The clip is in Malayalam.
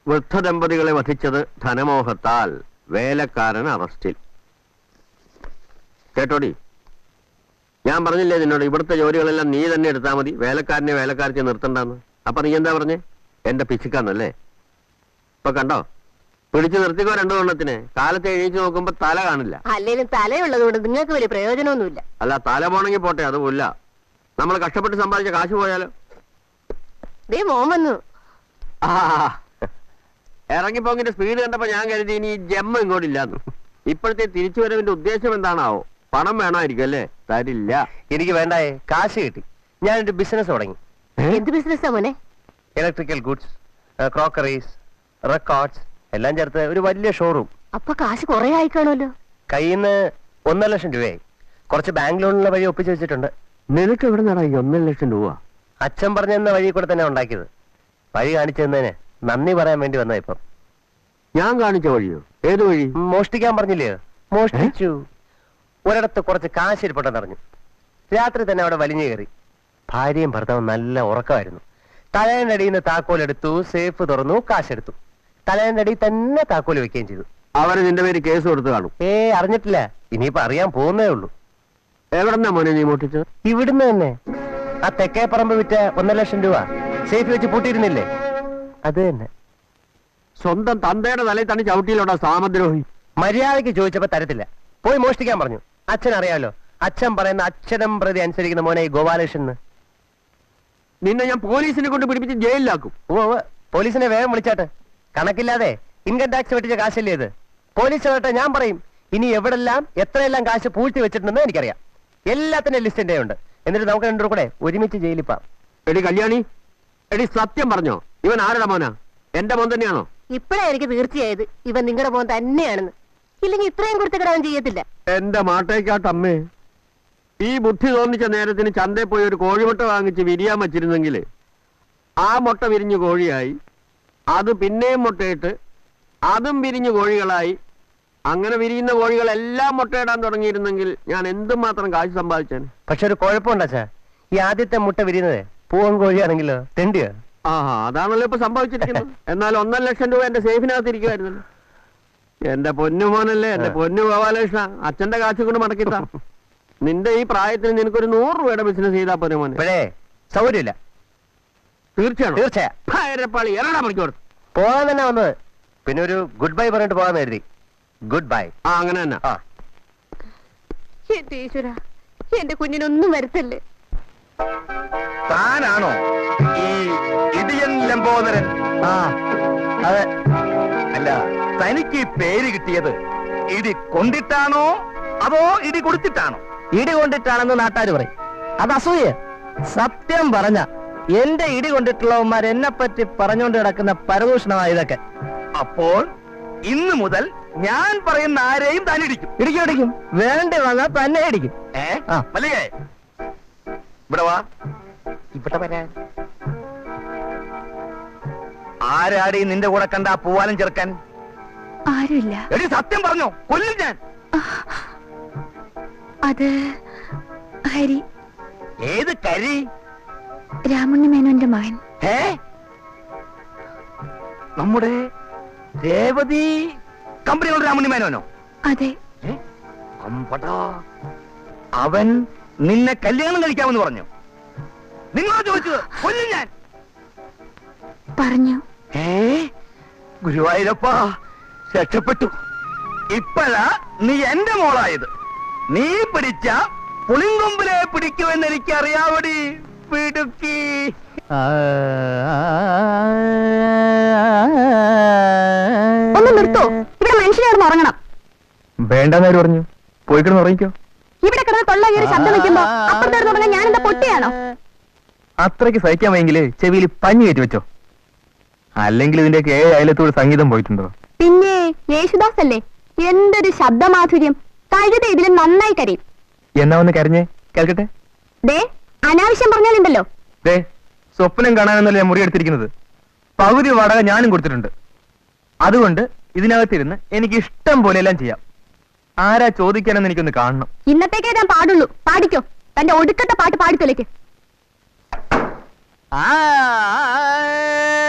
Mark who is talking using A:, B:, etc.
A: വൃദ്ധദമ്പതികളെ വധിച്ചത് ധനമോഹത്താൽ. വേലക്കാരൻ അറസ്റ്റിൽ. കേട്ടോടി, ഞാൻ പറഞ്ഞില്ലേ നിന്നോട് ഇവിടുത്തെ ജോലികളെല്ലാം നീ തന്നെ എടുത്താൽ മതി, വേലക്കാരനെ വേലക്കാരത്തെ നിർത്തണ്ടെന്ന്. അപ്പൊ നീ എന്താ പറഞ്ഞേ? എന്റെ പിശുക്കാന്നല്ലേ? ഇപ്പൊ കണ്ടോ, പിടിച്ചു നിർത്തിക്കോ രണ്ടു കൊണ്ണത്തിന്. കാലത്ത് എഴുന്നേറ്റ് നോക്കുമ്പോ തല കാണില്ല.
B: അല്ലേലും തലയുള്ളതുകൊണ്ട് നിങ്ങൾക്ക് വലിയ പ്രയോജനമൊന്നുമില്ല.
A: അല്ല, തല പോണെങ്കിൽ പോട്ടെ, അതുമില്ല. നമ്മൾ കഷ്ടപ്പെട്ട് സമ്പാദിച്ച കാശ് പോയാലോ?
B: ദേ മോൻ വന്നു.
A: ആ, ഇറങ്ങിപ്പോങ്ങിന്റെ സ്പീഡ് കണ്ടപ്പോ ഞാൻ കരുതി ഇനി ജമ്മ ഇങ്ങോട്ടില്ലാന്ന്. ഇപ്പോഴത്തെ തിരിച്ചുവരവിന്റെ ഉദ്ദേശം എന്താണാവോ? പണം വേണമായിരിക്കും അല്ലേ? തരില്ല.
C: എനിക്ക് വേണ്ടായേ, കാശ് കിട്ടി. ഞാനൊരു ബിസിനസ് തുടങ്ങി.
B: എന്ത് ബിസിനസ്സാ മോനെ?
C: ഇലക്ട്രിക്കൽ ഗുഡ്സ്, ക്രോക്കറീസ്, റെക്കോർഡ്സ് എല്ലാം ചേർത്ത് ഒരു വലിയ ഷോറൂം.
B: അപ്പൊ കാശ് കുറെ ആയിക്കാണല്ലോ.
C: കയ്യിൽ നിന്ന് 1.5 ലക്ഷം രൂപയായി. കുറച്ച് ബാങ്ക് ലോണിനുള്ള വഴി ഒപ്പിച്ചു വെച്ചിട്ടുണ്ട്.
A: നിനക്ക് എവിടെ നടാ 1.5 ലക്ഷം രൂപ?
C: അച്ഛൻ പറഞ്ഞെന്ന വഴി കൂടെ തന്നെ ഉണ്ടാക്കിയത്. വഴി കാണിച്ചു തന്നതിന് നന്ദി പറയാൻ വേണ്ടി വന്ന ഇപ്പം.
A: ഞാൻ കാണിച്ച വഴിയോ? ഏത് വഴി?
C: മോഷ്ടിക്കാൻ പറഞ്ഞില്ലേ? മോഷ്ടിച്ചു. ഒരിടത്ത് കുറച്ച് കാശ് ഇരിപ്പുണ്ടെന്ന് അറിഞ്ഞു. രാത്രി തന്നെ അവിടെ വലിഞ്ഞു കയറി. ഭാര്യയും ഭർത്താവും നല്ല ഉറക്കമായിരുന്നു. തലേന്റെ അടിയിൽ നിന്ന് താക്കോലെടുത്തു, സേഫ് തുറന്നു, കാശെടുത്തു. തലേന്റെ അടിയിൽ തന്നെ താക്കോൽ വെക്കുകയും ചെയ്തു.
A: അവര് നിന്റെ പേര് കേസ് കൊടുത്തു കാണും.
C: അറിഞ്ഞിട്ടില്ല. ഇനിയിപ്പോ അറിയാൻ പോകുന്നേ ഉള്ളൂ.
A: എവിടെന്നാ മോനെ നീ മോട്ടിച്ചത്?
C: ഇവിടുന്ന് തന്നെ. ആ തെക്കേ പറമ്പ് വിറ്റ 1.5 ലക്ഷം രൂപ സേഫ് വെച്ച് പൂട്ടിയിരുന്നില്ലേ? അത് തന്നെ.
A: സ്വന്തം തന്തയുടെ തലയിൽ തന്നെ ചവിട്ടിയിലോടാ സാമദ്രോഹി.
C: മര്യാദയ്ക്ക് ചോദിച്ചപ്പോ തരത്തില്ല. പോയി മോഷ്ടിക്കാൻ പറഞ്ഞു. അച്ഛൻ അറിയാലോ, അച്ഛൻ പറയുന്ന അക്ഷരം പ്രതി അനുസരിക്കുന്ന മോനെ ഈ ഗോപാലകൃഷ്ണൻ.
A: നിന്നെ ഞാൻ പോലീസിനെ കൊണ്ട് പിടിപ്പിച്ച് ജയിലിലാക്കും.
C: പോലീസിനെ വേഗം വിളിച്ചാട്ടെ. കണക്കില്ലാതെ ഇൻകം ടാക്സ് വെട്ടിച്ച കാശല്ലേ ഇത്? പോലീസ് വരട്ടെ, ഞാൻ പറയും. ഇനി എവിടെല്ലാം എത്രയെല്ലാം കാശ് പൂഴ്ത്തി വെച്ചിട്ടുണ്ടെന്ന് എനിക്കറിയാം. എല്ലാത്തിന്റെ ലിസ്റ്റ് എന്റെ ഉണ്ട്. എന്നിട്ട് നമുക്ക് രണ്ടു കൂടെ ഒരുമിച്ച് ജയിലിപ്പാം.
A: എടി കല്യാണി, എടി സത്യം പറഞ്ഞോ, ഇവൻ ആരുടെ മോനാ? എന്റെ മോൻ തന്നെയാണോ?
B: ഇപ്പഴാ എനിക്ക് തീർച്ചയായത് ഇവൻ നിങ്ങളുടെ മോൻ തന്നെയാണെന്ന്. ഇല്ലെങ്കിൽ ഇത്രയും കൊടുത്തിടാൻ ചെയ്യത്തില്ല.
A: എന്റെ മാട്ടേക്കാട്ടമ്മേ, ഈ ബുദ്ധി തോന്നിച്ച നേരത്തിന് ചന്തയിൽ പോയി ഒരു കോഴിമുട്ട വാങ്ങിച്ച് വിരിയാൻ വച്ചിരുന്നെങ്കിൽ ആ മുട്ട വിരിഞ്ഞു കോഴിയായി, അത് പിന്നെയും മുട്ടയിട്ട് അതും വിരിഞ്ഞു കോഴികളായി, അങ്ങനെ വിരിയുന്ന കോഴികളെല്ലാം മുട്ടയിടാൻ തുടങ്ങിയിരുന്നെങ്കിൽ ഞാൻ എന്തുമാത്രം കാശ് സമ്പാദിച്ചേനെ.
C: പക്ഷെ ഒരു കുഴപ്പമുണ്ടാച്ചാ, ഈ ആദ്യത്തെ മുട്ട വിരിയുന്നത് പൂവൻ കോഴിയാണെങ്കിലോ തെണ്ടിയോ?
A: അതാണല്ലോ ഇപ്പൊ സംഭവിച്ചിരിക്കുന്നത്. എന്നാൽ 1.5 ലക്ഷം രൂപ എന്റെ സേഫിനകത്ത് ഇരിക്കുമായിരുന്നല്ലോ. എന്റെ പൊന്നു മോനല്ലേ, എന്റെ പൊന്നു ഗോപാലകൃഷ്ണ, അച്ഛന്റെ കാശ് കൊണ്ട് മടക്കിത്താ. നിന്റെ ഈ പ്രായത്തിന് നിനക്കൊരു 100 രൂപയുടെ ബിസിനസ് ചെയ്താ പോരെ മോനെ?
C: ഇപ്പോഴേ സൗകര്യമില്ല.
A: തീർച്ചയായും
C: തീർച്ചയായും പോകാൻ തന്നെ വന്നത്. പിന്നെ ഒരു ഗുഡ് ബൈ പറഞ്ഞിട്ട് പോകാന്ന് കരുതി. Good bye.
A: അങ്ങനെ തന്നെ.
B: എന്റെ ഈശ്വര, എന്റെ കുഞ്ഞിനൊന്നും വരുത്തല്ലേ.
D: താനാണോ ഈ ഇടിയൻ ലംബോദരൻ?
C: അതെ.
D: അല്ല, തനിക്ക് ഈ പേര് കിട്ടിയത് ഇടി കൊണ്ടിട്ടാണോ അതോ ഇടി കൊടുത്തിട്ടാണോ?
C: ഇടി കൊണ്ടിട്ടാണെന്ന് നാട്ടുകാർ പറയും. അത് അസൂയ. സത്യം പറഞ്ഞ എന്റെ ഇടി കൊണ്ടിട്ടുള്ളവന്മാർ എന്നെ പറ്റി പറഞ്ഞുകൊണ്ട് കിടക്കുന്ന പരദൂഷണമാണ് ഇതൊക്കെ.
D: അപ്പോൾ ഇന്ന് മുതൽ ഞാൻ പറയുന്ന ആരെയും താൻ ഇടിക്കും.
C: ഇടിക്കും. വേണ്ടി വന്നാൽ തന്നെ ഇടിക്കും.
D: മല്ലികേ, ഇവിടെ വാ.
C: ഇവിടെ വരാൻ
D: ആരാടി നിന്റെ കൂടെ കണ്ട ആ പൂവാലം ചെറുക്കൻ?
B: ആരുമില്ല.
D: എടി സത്യം പറഞ്ഞോ, കൊല്ലും ഞാൻ.
B: അത് ഹരി.
D: ഏത് കരി?
B: രാമുണ്ണി മേനോന്റെ മകൻ.
D: നമ്മുടെ രേവതി കമ്പനികളുടെ രാമുണ്ണി മേനോനോ?
B: അതെ.
D: അമ്പടാ, അവൻ നിന്നെ കല്യാണം കഴിക്കാമെന്ന് പറഞ്ഞു. നിങ്ങളോ ചോദിച്ചത്? കൊല്ലും ഞാൻ
B: പറഞ്ഞു.
D: ഗുരുവായൂരപ്പ, രക്ഷപ്പെട്ടു. ഇപ്പഴാ നീ എന്റെ മോളായത്. നീ പിടിച്ച പുളിങ്കൊമ്പിലെ പിടിക്കുമെന്ന് എനിക്ക് അറിയാവടി പിടുക്കി.
B: ഒന്ന് നിർത്തോ, ഇവിടെ മനുഷ്യനായിരുന്നു ഉറങ്ങണം.
C: വേണ്ടെന്നവര് പറഞ്ഞു. പോയി കിടന്ന് ഉറങ്ങിക്കോ.
B: ഇവിടെ കിടന്ന് തൊള്ള കയറി ശബ്ദം വെക്കുമ്പോ അപ്പുറത്തേക്ക് തുടങ്ങാൻ ഞാൻ എന്താ പൊട്ടിയാണോ?
C: അത്രയ്ക്ക് സഹിക്കാൻ വയ്യെങ്കില് ചെവിയിൽ പഞ്ഞി കയറ്റി വെച്ചോ. അല്ലെങ്കിൽ ഇതിന്റെയൊക്കെ 7 അയലത്തോട് സംഗീതം പോയിട്ടുണ്ടോ?
B: പിന്നെ യേശുദാസ് അല്ലേ, എന്തൊരു ശബ്ദമാധുര്യം. കഴുത ഇതിലും നന്നായി കരയും.
C: എന്നാ ഒന്ന് കരഞ്ഞേ കേൾക്കട്ടെ.
B: ദേ, അനാവശ്യം പറഞ്ഞാലുണ്ടല്ലോ.
C: ദേ, സ്വപ്നം കാണാനെന്നല്ല ഞാൻ മുറിയെടുത്തിരിക്കുന്നത്. പകുതി വാടക ഞാനും കൊടുത്തിട്ടുണ്ട്. അതുകൊണ്ട് ഇതിനകത്തിരുന്ന് എനിക്ക് ഇഷ്ടം പോലെ എല്ലാം ചെയ്യാം. ആരാ ചോദിക്കാനെന്ന് എനിക്കൊന്ന് കാണണം.
B: ഇന്നത്തേക്കേ ഞാൻ പാടുള്ളൂ. പാടിക്കോ, തന്റെ ഒടുക്കത്തെ പാട്ട് പാടിത്തൊലയ്ക്ക്.